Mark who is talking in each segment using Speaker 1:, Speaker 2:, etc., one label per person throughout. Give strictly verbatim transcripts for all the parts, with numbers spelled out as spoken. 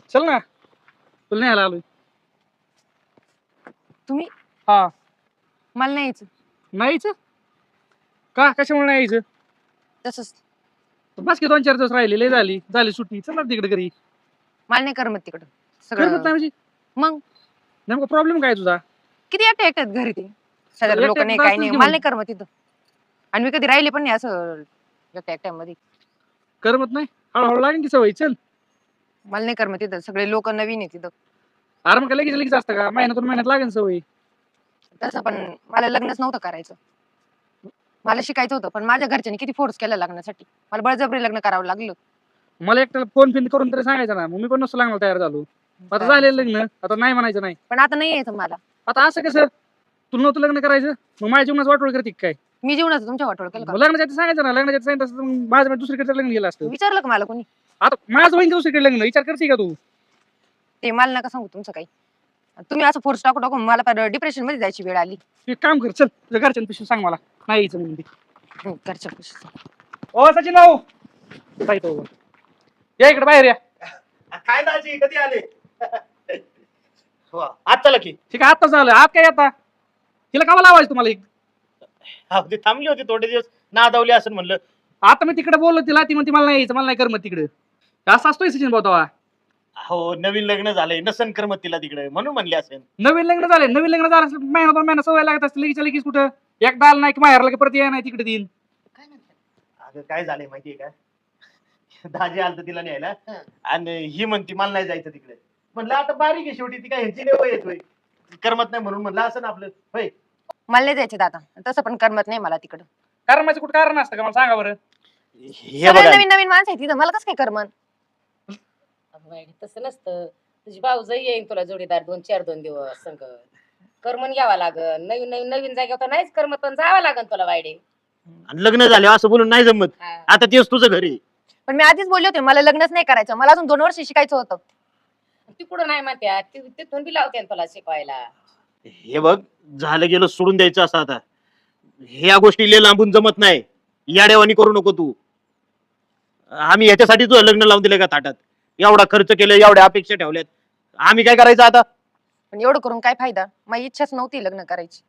Speaker 1: चल ना तुला नाही आलोय.
Speaker 2: तुम्ही
Speaker 1: हा
Speaker 2: मला नाही यायचं
Speaker 1: नाही यायचं का कशामुळे नाही यायचं?
Speaker 2: तसंच.
Speaker 1: बस की दोन चार दिवस राहिले लय झाली झाली सुट्टी चल ना तिकडे घरी.
Speaker 2: मला नाही करमत तिकडं
Speaker 1: करमत
Speaker 2: सगळं.
Speaker 1: नाही म्हणजे
Speaker 2: मग
Speaker 1: नेमका प्रॉब्लेम काय तुझा?
Speaker 2: किती एकटे एकट्यात घरी ते सगळ्या
Speaker 1: एकट्या
Speaker 2: लोक नाही
Speaker 1: एकट्यात
Speaker 2: काही
Speaker 1: असतंच
Speaker 2: नाही
Speaker 1: की
Speaker 2: मला
Speaker 1: मग.
Speaker 2: नाही करमत तिथं. आणि मी कधी राहिले पण नाही असं एकट्या एकट्यामध्ये.
Speaker 1: करमत नाही हळूहळू लागेल की सवय चल.
Speaker 2: मला नाही करमत तिथं सगळे लोक नवीन आहे तिथं.
Speaker 1: अरे मग काय लगेच लगेच असतं का महिन्यातून महिन्यात लागेल सवय.
Speaker 2: तसं पण मला लग्नच नव्हतं करायचं. मला शिकायचं होतं पण माझ्या घरच्यांनी किती फोर्स केला लग्नासाठी. मला बळजबरी लग्न करावं लागलं.
Speaker 1: मला एकट्याला फोन फिन करून तरी सांगायचं ना मग मी पण नसतो लागणार तयार झालो. आता झालेलं लग्न आता नाही म्हणायचं नाही.
Speaker 2: पण आता नाही यायचं मला.
Speaker 1: आता असं कसं तुला नव्हतं लग्न करायचं मग माझ्या जीवनात वाटोळ करते काय?
Speaker 2: मी जीवनाचं तुमच्या वाटोळ केलं का?
Speaker 1: मग लग्नाच्या आधी सांगायचं ना लग्नाच्या आधी सांगितलं असतं तर मग माझं माझं दुसरीकडे लग्न गेलं असतं.
Speaker 2: विचारलं का मला कोणी?
Speaker 1: आता माझं होईन दुसरीकडे लग्न विचार करते का तू?
Speaker 2: ते मला नका सांगू तुमचं काही. तुम्ही असं फोर्स टाकू टाकू मला डिप्रेशन मध्ये जायची वेळ आली.
Speaker 1: तू एक काम कर चल तुझ्या घरच्यांपेक्षा सांग मला नाही यायचं म्हणून ते.
Speaker 2: हम्म, घरच्या पैसे.
Speaker 1: ओ सचिन भाऊ काय तो या इकडे बाहेर या.
Speaker 3: काय दाजी कधी आले? आज चला की.
Speaker 1: ठीक आहे आता झालं आत काय आता तिला कामा लावायचं तुम्हाला एक.
Speaker 3: हा, ती थांबली होती थोडे दिवस नादावली असं म्हणलं.
Speaker 1: आता मी तिकडे बोललो तिला ती म्हणते मला नाही यायचं मला नाही करमत तिकडे. असं असतोय सचिन भाऊ तेव्हा.
Speaker 3: हो नवीन लग्न झालंय नसन करमत तिला तिकडे म्हणून म्हणले असेल.
Speaker 1: नवीन लग्न झाले नवीन लग्न झालं असेल, महिना दोन महिना सवय लागत असते लगेच लगेच कुठं एकदा आलं नाही की माहेरला की परत या नाही तिकडे देईन.
Speaker 3: काय म्हणतात अगं काय झालंय माहितीये का? दाजी आलत तिला न्यायला आणि ही म्हणती मला नाही जायचं तिकडे. म्हणलं आता बारीक आहे शेवटी ती काय ह्यांची लेवं येतोय करमत नाही म्हणून म्हणलं असं ना आपलं होय.
Speaker 2: मला नाही जायचं दादा तसं पण करमत नाही मला तिकडं.
Speaker 1: कारण माझं कुठं कारण असतं का मला सांगा बरं.
Speaker 3: हे
Speaker 2: सगळे
Speaker 3: बघा
Speaker 2: नवीन नवीन माणसं आहे तिथं मला कसं काय करमन?
Speaker 4: अगं बाई, तसं नसतं. तुझी भाऊजाई येईन तुला जोडीदार दोन चार दोन दिवस संग करमन घ्यावा लागन. नवीन नवीन नवीन जागेवर तर नाहीच करमत पण जावं लागन तुला वायडे.
Speaker 3: आणि लग्न झाले असं बोलून नाही जमत.
Speaker 4: हा.
Speaker 3: आता तेच तुझं घरी.
Speaker 2: पण मी आधीच बोलले होते मला लग्नच नाही करायचं. मला अजून दोन वर्ष शिकायचं होतं.
Speaker 4: तिकडून नाही म्हणत्या ति- तिथून बी लावते तुला शिकवायला.
Speaker 3: हे बघ झालं गेलं सोडून द्यायचं असं आता. ह्या गोष्टी लय लांबून जमत नाही. याडेवानी करू नको तू. आम्ही याच्यासाठी तुझं लग्न लावून दिलं का ताटात? एवढा खर्च केला एवढ्या अपेक्षा ठेवल्यात आम्ही काय करायचं आता?
Speaker 2: पण एवढं करून काय फायदा? माझी इच्छाच नव्हती लग्न करायची.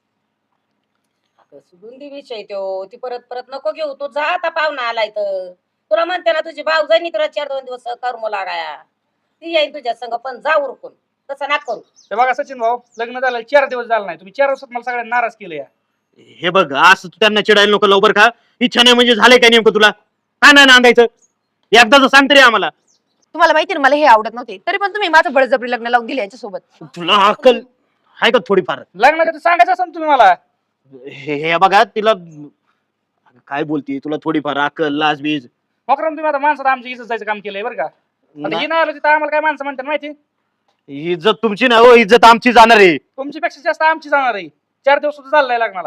Speaker 4: अगं सोडून दे विषय तो. ती परत परत नको घेऊ. तू जा आता पाहुणा आलाय तर. तुला म्हणते ना तुझी भाऊजाईनी तुला चार दोन दिवस करमू लागाया. ती येईन तुझ्या संग पण जा उरकून. तसं ना करू.
Speaker 1: हे बघा सचिन भाऊ लग्न झालं चार दिवस झालं नाही तुम्ही चार दिवसात मला सगळ्यांना नाराज केलं या.
Speaker 3: हे बघ असं तू त्यांना चिडायला नको लवकर का? इच्छा नाही म्हणजे झालंय काय नेमकं तुला? काय नाही नांदायचं? एकदाच सांग तरी आम्हाला.
Speaker 2: तुम्हाला माहिती ना मला हे आवडत नव्हते तरी पण तुम्ही माझं बळजबरी लग्न लावून दिले यांच्यासोबत.
Speaker 3: तुला अक्कल आहे का थोडीफार?
Speaker 1: लग्नाचं तर सांगायचं असं तुम्ही मला.
Speaker 3: हे हे बघा तिला काय बोलती तुला थोडीफार अक्कल लाज बीज
Speaker 1: मकरम तुम्ही आता माणसात आमची इज्जत जायचं काम केलंय बरं का. आता ही नाही आलो तिथं आम्हाला काय माणसं म्हणतात माहिती
Speaker 3: इज्जत तुमची ना हो इज्जत आमची जाणार आहे.
Speaker 1: तुमची पेक्षा जास्त आमची जाणार आहे. चार दिवस सुद्धा चाललाय लग्नाला.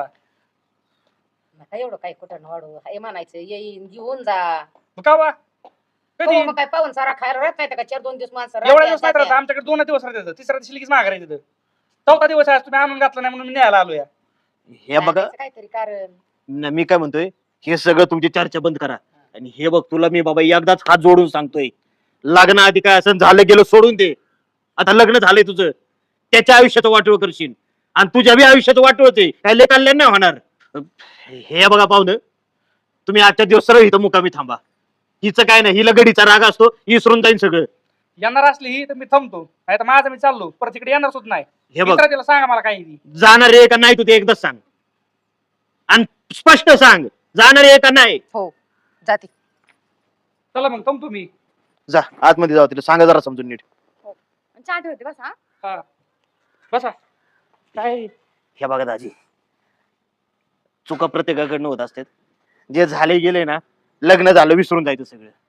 Speaker 4: नका एवढं काय कुठं वाढू. हे म्हणायचं येईन घेऊन जा.
Speaker 1: मग का बा कधी
Speaker 4: हो, मग काय पाहून सारा खायला राहत नाही का चार दोन दिवस माणसं
Speaker 1: एवढ्या
Speaker 4: राहत्या,
Speaker 1: दिवस नाही राहत
Speaker 4: जात्या.
Speaker 1: आमच्याकडे दोन दिवस राहतात तिसऱ्या दिवशी लगेच माघार येते. चौथा दिवस आहे तुम्ही आणून घातला नाही म्हणून मी न्यायला आलो या.
Speaker 3: हे बघा
Speaker 4: सांगायचं काहीतरी कारण.
Speaker 3: न, मी काय म्हणतोय हे सगळं तुमची चर्चा बंद करा. आणि हे बघ तुला मी बाबा एकदाच हात जोडून सांगतोय लग्नाआधी काय असं झालं गेलं सोडून दे. आता लग्न झालंय तुझं त्याच्या आयुष्याचं वाटोळ करशील आणि तुझ्या बी आयुष्याचं वाटोळ ते काय लय कल्याण नाही होणार. हे बघा पाहुणं तुम्ही आजच्या दिवस सरळ इथं मुकामी थांबा. हिचं काय नाही हिला गडीचा राग असतो विसरून जाईन सगळं.
Speaker 1: येणार असली ही तर मी थांबतो नाही तर माझं मी चाललो परत तिकडे येणार सुद्धा नाही.
Speaker 3: हे बघ
Speaker 1: तिला सांगा मला काही ती.
Speaker 3: जाणार आहे का नाही तू ते एकदाच सांग आणि स्पष्ट सांग जाणार आहे का नाही.
Speaker 2: हो जाते.
Speaker 1: चला मग थांबतो मी.
Speaker 3: जा आतमध्ये जाऊ तिला सांगा जरा समजून नीट.
Speaker 2: चहा ठेवते बस हा.
Speaker 1: हा बसा.
Speaker 3: काय हे बघा दाजी चुका प्रत्येकाकडनं होत असतात. जे झाले गेले ना लग्न झालं विसरून जायचं सगळं.